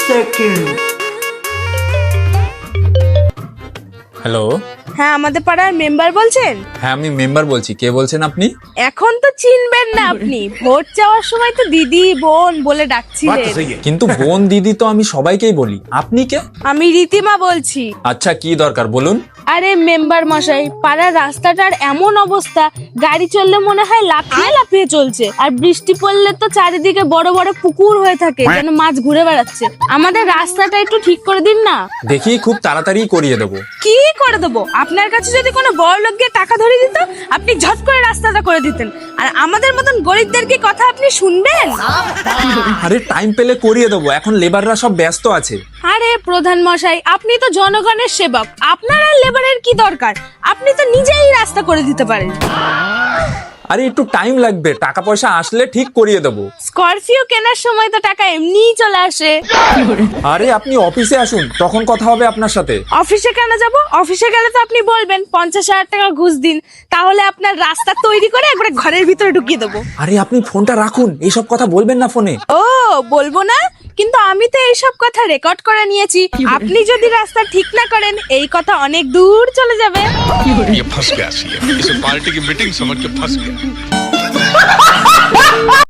Second. Hello, হ্যাঁ, আমাদের পাড়ার মেম্বার বলছেন? হ্যাঁ আমি মেম্বার বলছি। কে বলছেন আপনি? এখন তো চিনবেন না আপনি, ভোট চাওয়ার সময় তো দিদি বোন বলে ডাকছিলেন। কিন্তু বোন দিদি তো আমি সবাইকেই বলি। আপনি কে? আমি রীতিমা বলছি। আচ্ছা, কি দরকার বলুন। আরে মেম্বার মশাই, পাড়ার রাস্তাটার এমন অবস্থা, গাড়ি চললে মনে হয় লাফিয়ে লাফিয়ে চলছে, আর বৃষ্টি পড়লে তো চারিদিকে বড় বড় পুকুর হয়ে থাকে, যেন মাছ ঘুরে বেড়াচ্ছে। আমাদের রাস্তাটা একটু ঠিক করে দিন না। দেখি খুব তাড়াতাড়ি করিয়ে দেবো। কি করে দেবো? আপনার কাছে যদি কোনো বড় লোক গিয়ে টাকা ধরে দিত, আপনি ঝট করে রাস্তাটা করে দিতেন। আর আমাদের মতন গরিবদের কি কথা আপনি শুনবেন? আরে টাইম পেলে করিয়ে দেবো, এখন লেবাররা সব ব্যস্ত আছে। আরে প্রধান মশাই, আপনি তো জনগণের সেবক, আপনার আর লেবারের কি দরকার? আপনি তো নিজেই রাস্তা করে দিতে পারেন। আরে একটু টাইম লাগবে, টাকা পয়সা আসলে ঠিক করিয়ে দেবো। স্করপিও কেনার সময় তো টাকা এমনিই চলে আসে। আরে আপনি অফিসে আসুন, তখন কথা হবে আপনার সাথে। অফিসে কেন যাব? অফিসে গেলে তো আপনি বলবেন 50,000 টাকা ঘুষ দিন, তাহলে আপনার রাস্তা তৈরি করে একবারে ঘরের ভিতরে ঢুকিয়ে দেবো। আরে আপনি ফোনটা রাখুন, এইসব কথা বলবেন না ফোনে। ও, বলবো না? কিন্তু আমি তো এইসব কথা রেকর্ড করে নিয়েছি। আপনি যদি রাস্তা ঠিক না করেন, এই কথা অনেক দূর চলে যাবে। ये फंस गया सी, इसे पार्टी की मीटिंग समझ के फंस गया।